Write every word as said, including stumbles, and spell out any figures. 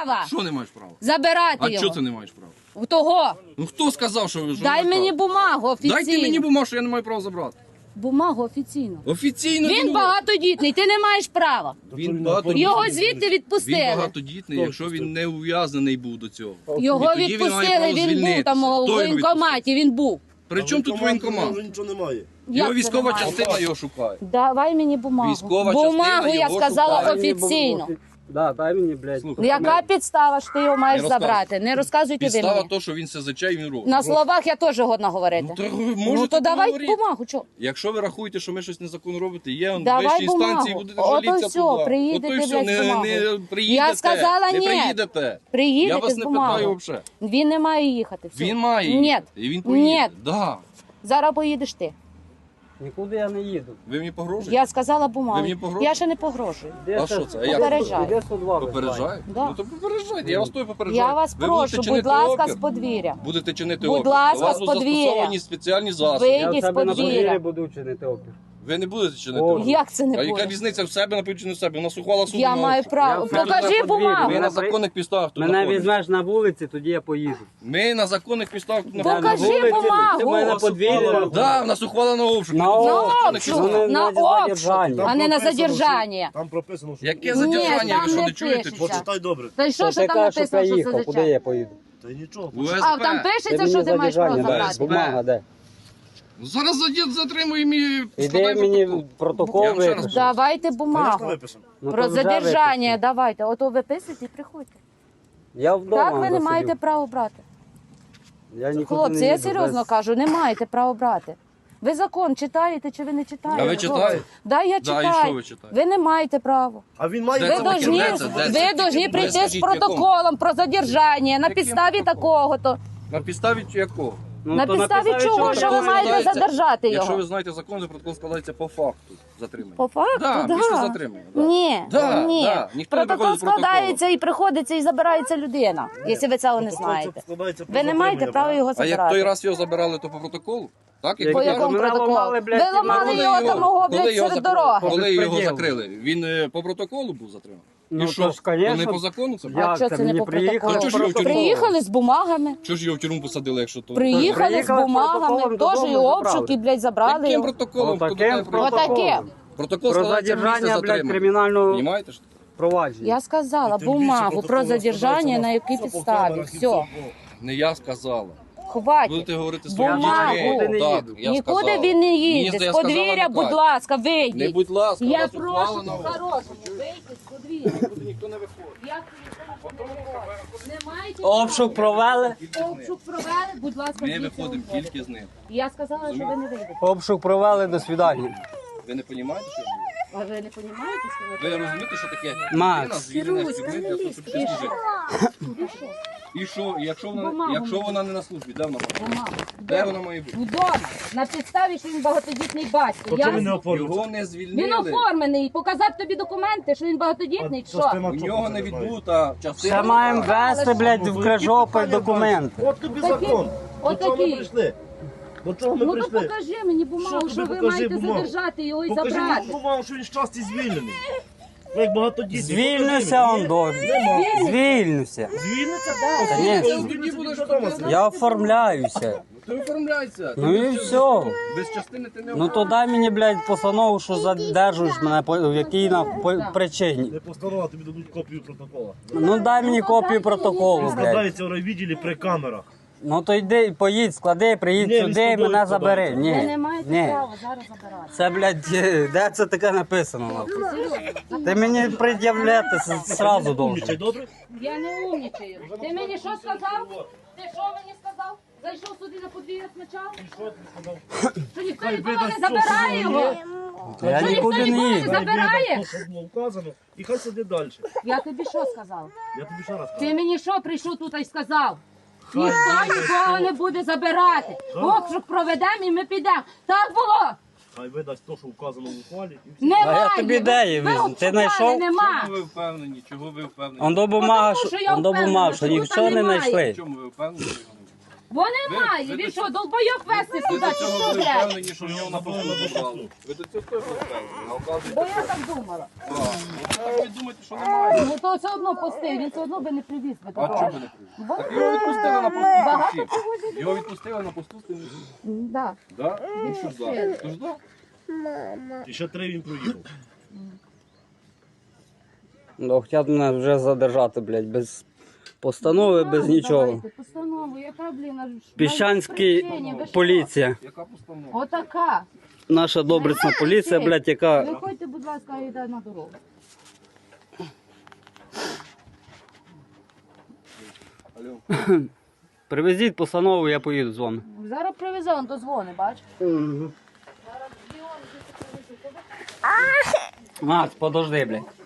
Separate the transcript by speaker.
Speaker 1: права
Speaker 2: Що не маєш права?
Speaker 1: забирати
Speaker 2: А
Speaker 1: його.
Speaker 2: чого ти не маєш права?
Speaker 1: У того.
Speaker 2: Ну хто сказав, що ви... що
Speaker 1: Дай
Speaker 2: ви
Speaker 1: мені
Speaker 2: права?
Speaker 1: бумагу офіційно.
Speaker 2: Дайте мені бумагу, що я не маю права забрати.
Speaker 1: Бумагу офіційно.
Speaker 2: Офіційно
Speaker 1: Він багатодітний, ти не маєш права.
Speaker 2: Він багатодітний.
Speaker 1: Його звідти
Speaker 2: Він
Speaker 1: відпустили.
Speaker 2: багатодітний, якщо він не ув'язнений був до цього.
Speaker 1: Його
Speaker 2: І тоді він має
Speaker 1: відпустили,
Speaker 2: право
Speaker 1: він був
Speaker 2: звільнитися.
Speaker 1: там у
Speaker 2: Хто його
Speaker 1: воєнкоматі, він був.
Speaker 2: При чому тут воєнкомат?
Speaker 3: Вже нічого немає.
Speaker 1: Як
Speaker 2: Його
Speaker 1: це
Speaker 2: військова
Speaker 1: немає?
Speaker 2: частина його шукає.
Speaker 1: Давай мені бумагу.
Speaker 2: Військова
Speaker 1: Бумагу
Speaker 2: частина
Speaker 1: я
Speaker 2: його
Speaker 1: сказала
Speaker 2: шукає.
Speaker 1: офіційно.
Speaker 4: Да, дай мені, блядь.
Speaker 2: Слухай,
Speaker 1: Яка підстава ж ти його маєш
Speaker 2: Не розказуй.
Speaker 1: забрати? Не розказуйте ви
Speaker 2: Підстава
Speaker 1: мені.
Speaker 2: то, що він СЗЧ і він робить.
Speaker 1: На словах я теж годна говорити.
Speaker 2: Ну, то ви
Speaker 1: Ну
Speaker 2: можете
Speaker 1: то давай
Speaker 2: поговорити.
Speaker 1: бумагу, чого?
Speaker 2: Якщо ви рахуєте, що ми щось незаконно робите, є он
Speaker 1: Давай
Speaker 2: вищі
Speaker 1: бумагу.
Speaker 2: інстанції, будете
Speaker 1: Ото
Speaker 2: жалітися
Speaker 1: все,
Speaker 2: туди.
Speaker 1: приїдете,
Speaker 2: Ото і все,
Speaker 1: блядь, з
Speaker 2: не,
Speaker 1: бумагою.
Speaker 2: не приїдете.
Speaker 1: Я сказала,
Speaker 2: не
Speaker 1: ні.
Speaker 2: приїдете.
Speaker 1: Приїдете
Speaker 2: Я вас
Speaker 1: з
Speaker 2: не
Speaker 1: бумагою.
Speaker 2: питаю взагалі.
Speaker 1: Він не має їхати. Все.
Speaker 2: Він має
Speaker 1: Ні.
Speaker 2: їхати. І він поїде.
Speaker 1: Ні.
Speaker 2: Да.
Speaker 1: Зараз поїдеш ти.
Speaker 4: Нікуди я не їду.
Speaker 2: Ви мені погрожуєте?
Speaker 1: Я сказала
Speaker 2: Ви
Speaker 1: бумагу.
Speaker 2: мені погрожуєте?
Speaker 1: Я ще не погрожую.
Speaker 4: Де
Speaker 2: А що це? А як?
Speaker 1: Попереджаю.
Speaker 4: Іде сто два.
Speaker 2: Попереджаєте?
Speaker 1: Да.
Speaker 2: Ну то попереджайте, я вас той попереджаю.
Speaker 1: Я вас
Speaker 2: Ви будете
Speaker 1: прошу, будь
Speaker 2: чинити
Speaker 1: ласка,
Speaker 2: опір?
Speaker 1: з подвір'я.
Speaker 2: Будете чинити
Speaker 1: Будь
Speaker 2: опір.
Speaker 1: ласка,
Speaker 2: До вас
Speaker 1: з
Speaker 2: будуть
Speaker 1: подвір'я.
Speaker 2: застосовані спеціальні засоби.
Speaker 1: Ви-
Speaker 4: Я в
Speaker 1: Вийдіть
Speaker 4: себе
Speaker 1: з
Speaker 4: на
Speaker 1: подвір'я.
Speaker 4: подвір'ї буду чинити опір.
Speaker 2: Ви не будете чинити
Speaker 4: О.
Speaker 2: опір.
Speaker 1: Як це не
Speaker 2: А яка
Speaker 1: буде?
Speaker 2: різниця в себе, напевно, чи не в себе? У нас ухвала суду
Speaker 1: Я
Speaker 2: на
Speaker 1: маю
Speaker 2: обшук.
Speaker 1: право.
Speaker 4: Я в
Speaker 1: Покажи
Speaker 4: себе на подвір'ї.
Speaker 1: бумагу.
Speaker 2: Ми на законних підставах тут
Speaker 4: Мене
Speaker 2: знаходимося.
Speaker 4: візьмеш на вулиці, тоді я поїду.
Speaker 2: Ми на законних підставах тут
Speaker 4: Я
Speaker 1: Покажи
Speaker 4: на
Speaker 2: знаходимося.
Speaker 4: вулиці,
Speaker 1: бумагу.
Speaker 4: Ти мене на подвір'ї.
Speaker 2: Да, в нас ухвала на обшук.
Speaker 4: На
Speaker 2: Тут
Speaker 4: обшук.
Speaker 1: На
Speaker 2: законних
Speaker 1: обшук,
Speaker 2: підставах.
Speaker 1: на
Speaker 4: на
Speaker 1: обшук,
Speaker 4: задержання.
Speaker 1: а не на
Speaker 3: прописано, що-
Speaker 1: задержання.
Speaker 3: Там прописано, що...
Speaker 2: Яке
Speaker 1: Ні,
Speaker 2: задержання,
Speaker 1: там
Speaker 2: ви що
Speaker 1: не
Speaker 2: не чуєте?
Speaker 1: пишеться.
Speaker 3: Почитай добре.
Speaker 1: Та й що,
Speaker 4: Що
Speaker 1: що
Speaker 4: ти
Speaker 1: там
Speaker 4: кажеш, що
Speaker 1: написано, що
Speaker 4: приїхав, куди я
Speaker 1: задержання?
Speaker 4: поїду?
Speaker 3: Та й нічого.
Speaker 2: У
Speaker 1: А там
Speaker 2: ес пе.
Speaker 1: пишеться, що ти маєш право
Speaker 4: задержання,
Speaker 1: забрати.
Speaker 4: дай, бумага, де?
Speaker 2: Зараз задід затримуємо і
Speaker 4: Іди
Speaker 2: складаємо
Speaker 4: мені
Speaker 2: протокол.
Speaker 4: протокол
Speaker 2: Я вам ще раз
Speaker 4: випиши.
Speaker 1: Давайте
Speaker 3: Звісно,
Speaker 1: бумагу.
Speaker 3: виписано.
Speaker 4: Ну,
Speaker 1: Про
Speaker 4: то вже
Speaker 1: задержання
Speaker 4: випиши.
Speaker 1: давайте. Ото виписуйте і приходьте.
Speaker 4: Я вдома
Speaker 1: Так ви не
Speaker 4: засидів.
Speaker 1: маєте права брати.
Speaker 4: Я нікуди
Speaker 1: Хлопці,
Speaker 4: не
Speaker 1: я
Speaker 4: їду
Speaker 1: серйозно
Speaker 4: без-
Speaker 1: кажу, не маєте права брати. Ви закон читаєте чи ви не читаєте?
Speaker 2: А ви
Speaker 1: хлопці?
Speaker 2: читаєте?
Speaker 1: Да, я
Speaker 2: Да, і
Speaker 1: читаю.
Speaker 2: що ви читаєте?
Speaker 1: Ви не маєте права.
Speaker 3: А він має
Speaker 2: Де
Speaker 1: Ви
Speaker 2: це
Speaker 3: право
Speaker 2: таке?
Speaker 1: должні,
Speaker 2: Де це? Де це?
Speaker 1: ви должні
Speaker 2: Ви
Speaker 1: прийти з
Speaker 2: скажіть, в якому?
Speaker 1: протоколом про задержання на
Speaker 2: Яким
Speaker 1: підставі
Speaker 2: протоколом?
Speaker 1: такого-то.
Speaker 2: На підставі якого?
Speaker 4: Ну,
Speaker 1: На
Speaker 4: то
Speaker 1: підставі чого,
Speaker 4: чого
Speaker 1: що ви
Speaker 2: Протокол
Speaker 1: маєте
Speaker 2: складається-
Speaker 1: задержати
Speaker 2: Якщо ви
Speaker 1: його?
Speaker 2: знаєте закон, то протокол складається по факту затримання.
Speaker 1: По факту,
Speaker 2: Да,
Speaker 1: да.
Speaker 2: після затримання, да.
Speaker 1: Ні,
Speaker 2: Да,
Speaker 1: ні.
Speaker 2: да. Ніхто не
Speaker 1: Протокол
Speaker 2: приходить з протоколом.
Speaker 1: складається і приходиться і забирається людина, якщо ви цього не знаєте. Ви не маєте права його
Speaker 2: А як той
Speaker 1: забирати.
Speaker 2: раз його забирали, то по протоколу? Так?
Speaker 4: Як
Speaker 1: По
Speaker 4: Мене
Speaker 1: якому
Speaker 4: ламали,
Speaker 1: протоколу?
Speaker 4: блядь,
Speaker 1: Ви ламали
Speaker 2: Коли
Speaker 1: його там мого,
Speaker 2: коли
Speaker 1: блядь,
Speaker 2: його
Speaker 1: серед
Speaker 2: закрили?
Speaker 1: дороги.
Speaker 2: Коли його
Speaker 4: Безпреділ.
Speaker 2: закрили? Він е, по протоколу був затриманий?
Speaker 4: Ну,
Speaker 2: І
Speaker 4: то
Speaker 2: що?
Speaker 4: ж, конечно.
Speaker 2: То не по закону це?
Speaker 4: Я-
Speaker 2: було?
Speaker 1: А що
Speaker 4: це
Speaker 1: це не
Speaker 4: мені
Speaker 1: по
Speaker 4: приїхали
Speaker 1: протоколу?
Speaker 2: А чого ж його в тюрму?
Speaker 1: Приїхали з бумагами.
Speaker 2: Чого ж його в тюрму посадили, якщо то?
Speaker 1: Приїхали з
Speaker 4: Приїхали з
Speaker 1: бумагами,
Speaker 4: протоколом
Speaker 1: теж і
Speaker 4: додому
Speaker 1: обшук,
Speaker 4: забрали.
Speaker 1: і, блядь, забрали
Speaker 2: Яким
Speaker 1: його.
Speaker 2: протоколом?
Speaker 4: Отаким
Speaker 2: Хто таке
Speaker 4: протоколом.
Speaker 1: Отаке.
Speaker 2: Протокол
Speaker 4: Про
Speaker 2: складається місце
Speaker 4: задержання, блядь,
Speaker 2: затримання.
Speaker 4: кримінального
Speaker 2: Понімаєте, що таке?
Speaker 4: провадження.
Speaker 1: Я сказала
Speaker 3: Тим більше
Speaker 1: бумагу
Speaker 3: протокол
Speaker 1: про
Speaker 3: складається
Speaker 1: задержання, на якій
Speaker 3: все по
Speaker 1: підставі.
Speaker 3: камерах і
Speaker 1: Все,
Speaker 3: по-
Speaker 2: Не я сказала.
Speaker 1: хватить.
Speaker 2: Будете говорити з своїми
Speaker 1: Бумагу.
Speaker 2: дітьми.
Speaker 4: Нікуди не
Speaker 2: Так,
Speaker 4: їду.
Speaker 2: я
Speaker 1: Нікуди
Speaker 2: сказав.
Speaker 1: він не
Speaker 2: Мені
Speaker 1: їде.
Speaker 2: здається,
Speaker 1: З
Speaker 2: я сказав,
Speaker 1: подвір'я,
Speaker 2: не
Speaker 1: будь
Speaker 2: так.
Speaker 1: ласка,
Speaker 2: Не
Speaker 1: вийдіть.
Speaker 2: будь ласка,
Speaker 1: Я
Speaker 2: вас ухвала
Speaker 1: прошу
Speaker 2: на обшук.
Speaker 1: по-хорошому, вийдіть з подвір'я.
Speaker 2: Тут ніхто не виходить.
Speaker 1: Як ви ніхто не виходить? Не маєте
Speaker 4: Обшук провели.
Speaker 1: права. Обшук провели, будь ласка,
Speaker 2: Ми
Speaker 1: звідси
Speaker 2: виходимо
Speaker 1: виходите.
Speaker 2: тільки з ним.
Speaker 1: Я сказала, що ви не вийдете.
Speaker 4: Обшук провели, до свидання.
Speaker 2: Ви не розумієте, що я говорю?
Speaker 1: А ви не розумієте, що ви
Speaker 2: Ви розумієте, що таке
Speaker 4: Макс.
Speaker 2: людина звільнена з тюрми для того, щоб ще служити? І що, І якщо вона,
Speaker 1: Бумагу
Speaker 2: якщо
Speaker 1: мені.
Speaker 2: вона не на службі, де вона?
Speaker 1: Бумагу.
Speaker 2: Де вона має бути?
Speaker 1: Вдома. На підставі, що він багатодітний батько.
Speaker 3: То
Speaker 1: Я...
Speaker 3: чого він не оформився?
Speaker 2: Його не
Speaker 1: Він
Speaker 2: звільнили.
Speaker 1: оформлений. Показати тобі документи, що він багатодітний, чи що?
Speaker 2: У нього не відбута частина.
Speaker 4: Ще маємо вести, блядь, в Крижопіль документи.
Speaker 3: От тобі
Speaker 1: Такі-
Speaker 3: закон. До
Speaker 1: от
Speaker 3: чого ми
Speaker 1: такі.
Speaker 3: прийшли? До чого ми
Speaker 1: Ну то
Speaker 3: прийшли?
Speaker 1: покажи мені бумагу,
Speaker 3: Що
Speaker 1: що,
Speaker 3: тобі
Speaker 1: ви
Speaker 3: покажи
Speaker 1: маєте
Speaker 3: бумагу?
Speaker 1: задержати його і
Speaker 3: Покажи
Speaker 1: забрати.
Speaker 3: мені бумагу, що він щасті звільнений. Ну, як багатодітний.
Speaker 4: Звільнився он до.
Speaker 3: Нема.
Speaker 4: Звільнився.
Speaker 3: Звільниться?
Speaker 4: Конечно.
Speaker 2: Тоді будеш
Speaker 4: Я оформляюся.
Speaker 2: Ти оформляйся.
Speaker 4: Ну і все.
Speaker 2: Без частини ти не
Speaker 4: Ну то дай мені, блядь, постанову, що задержуєш мене, по в якій на по причині.
Speaker 3: Не постанова, тобі дадуть копію протокола.
Speaker 4: Ну дай мені копію протоколу, блядь.
Speaker 3: Складається в райвідділі при камерах.
Speaker 4: Ну то йди, поїдь, склади, приїдь
Speaker 3: Ні, він
Speaker 4: сюди
Speaker 3: з
Speaker 4: і
Speaker 3: тобою
Speaker 4: мене
Speaker 3: складається.
Speaker 4: забери.
Speaker 1: Ви
Speaker 4: Ні,
Speaker 1: не маєте
Speaker 4: ні.
Speaker 1: права зараз забирати.
Speaker 4: Це, блядь, де це таке написано? нахуй? Ти мені пред'являти с- сразу
Speaker 3: Умнічай,
Speaker 4: должен.
Speaker 3: добре?
Speaker 1: Я не умнічаю. Ти мені що сказав? Ти що мені сказав? Зайшов сюди на подвір'я спочатку? Що ніхто
Speaker 3: Хай
Speaker 1: нікого
Speaker 3: видасть
Speaker 1: не
Speaker 3: то, що
Speaker 1: забирає
Speaker 3: воно
Speaker 1: його?
Speaker 3: є.
Speaker 4: Я
Speaker 1: Що
Speaker 4: нікуди
Speaker 1: ніхто
Speaker 4: не
Speaker 1: нікого
Speaker 4: їду.
Speaker 1: не забирає?
Speaker 3: Хай видасть то, що було вказано, і хай сиди далі.
Speaker 1: Я тобі що сказав?
Speaker 3: Я тобі ще раз кажу.
Speaker 1: Ти мені що прийшов тут і сказав?
Speaker 3: Хай
Speaker 1: Ніхто
Speaker 3: видасть
Speaker 1: нікого
Speaker 3: то.
Speaker 1: не буде забирати. Обшук проведемо і ми підемо. Так було?
Speaker 3: Хай видасть то, що вказано в ухвалі. І все.
Speaker 1: Немає.
Speaker 4: А я тобі де її
Speaker 1: Ви
Speaker 4: візьму? Ти
Speaker 1: обшукали,
Speaker 4: знайшов?
Speaker 1: Нема.
Speaker 2: Чому ви впевнені? Чого ви впевнені?
Speaker 4: Он до бумага,
Speaker 1: Тому що
Speaker 4: що,
Speaker 1: я
Speaker 4: он до
Speaker 1: впевнена,
Speaker 4: бумага, що
Speaker 1: що
Speaker 4: нічого не
Speaker 1: немає.
Speaker 4: знайшли.
Speaker 2: Чому ви впевнені? що його немає?
Speaker 1: Бо немає.
Speaker 2: ви
Speaker 1: Він
Speaker 2: до
Speaker 1: що, долбойок вести
Speaker 2: Ви
Speaker 1: сюди?
Speaker 2: до
Speaker 1: Чи
Speaker 2: цього
Speaker 1: що,
Speaker 2: були
Speaker 1: блядь?
Speaker 2: впевнені, що в нього написано бухгалтер. Ви до цього точно впевнені. А оказується,
Speaker 1: Бо я так думала.
Speaker 2: так. Ну, це ви думаєте, що немає.
Speaker 1: Ну то все одно пустив, він все одно би не привіз би.
Speaker 2: А
Speaker 1: такого.
Speaker 2: чого ви не привезли?
Speaker 1: Бо-
Speaker 2: Так його відпустили на
Speaker 1: Багато
Speaker 2: посту.
Speaker 1: кого зібрали.
Speaker 2: Його відпустили на посту з тим.
Speaker 1: Да.
Speaker 2: Да? Ну що ж да? Тож да?
Speaker 3: І ще три він проїхав.
Speaker 4: Ну, хотять мене вже задержати, блядь, без постанови, без
Speaker 1: Ну,
Speaker 4: нічого.
Speaker 1: давайте, постанову, яка, блін, аж...
Speaker 4: Піщанський
Speaker 1: причині, ви що?
Speaker 4: поліція.
Speaker 2: Яка постанова?
Speaker 1: Отака.
Speaker 4: Наша добрицна поліція, блядь, яка...
Speaker 1: Виходьте, будь ласка, і йде на дорогу.
Speaker 2: Алло.
Speaker 4: Привезіть постанову, я поїду з вами.
Speaker 1: Зараз привезе, он дозвони, бач?
Speaker 4: Макс, подожди, блядь.